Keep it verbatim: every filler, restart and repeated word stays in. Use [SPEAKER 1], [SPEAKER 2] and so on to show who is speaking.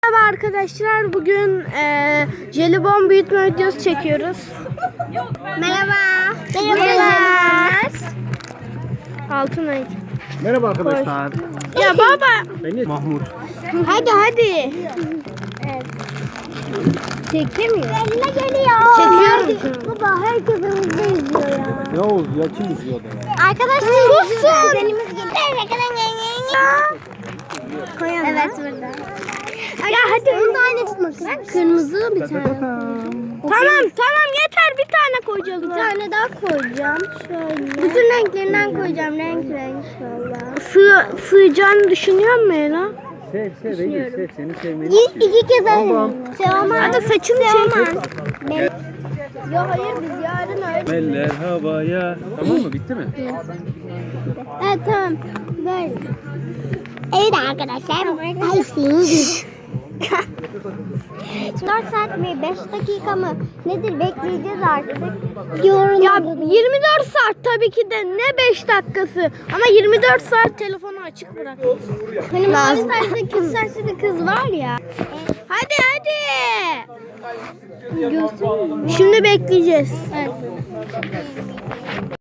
[SPEAKER 1] Merhaba arkadaşlar, bugün e, jelibon büyütme videosu çekiyoruz. Merhaba. Merhaba. Altınay.
[SPEAKER 2] Merhaba arkadaşlar.
[SPEAKER 1] Ya baba.
[SPEAKER 2] Ben Mahmut.
[SPEAKER 1] Hadi hadi. Evet. Çekemiyor. Eline geliyor. Çekiyorum. Baba herkes önümüzde izliyor ya.
[SPEAKER 2] Ne oldu ya, kim izliyordu ya?
[SPEAKER 1] Arkadaşlar sussun. Elimiz geliyor. Koyalım. Evet burada. Ya hadi bunu da aynı tutmak. Kırmızı bir tane. Tamam tamam yeter, bir tane koyacağız. Bir tane daha koyacağım. Şöyle. Bütün renklerinden koyacağım, renk renk valla. Sığ, sığacağını düşünüyor musun Ela?
[SPEAKER 2] Sev sev Eylül, sev, seni sevmeni
[SPEAKER 1] İki, iki kez
[SPEAKER 2] Tamam.
[SPEAKER 1] Sevmem. Hadi saçını çek. Yok hayır, biz yarın öyle.
[SPEAKER 2] Eller havaya. Tamam mı, bitti mi?
[SPEAKER 1] Evet tamam. Böyle. Evet arkadaşlar. dört saat mi beş dakika mı nedir, bekleyeceğiz artık. Ya yirmi dört saat tabii ki de, ne beş dakikası, ama yirmi dört saat telefonu açık bırak. Hani mavi saçlı kız saçlı bir kız var ya. Hadi hadi. Şimdi bekleyeceğiz. Evet.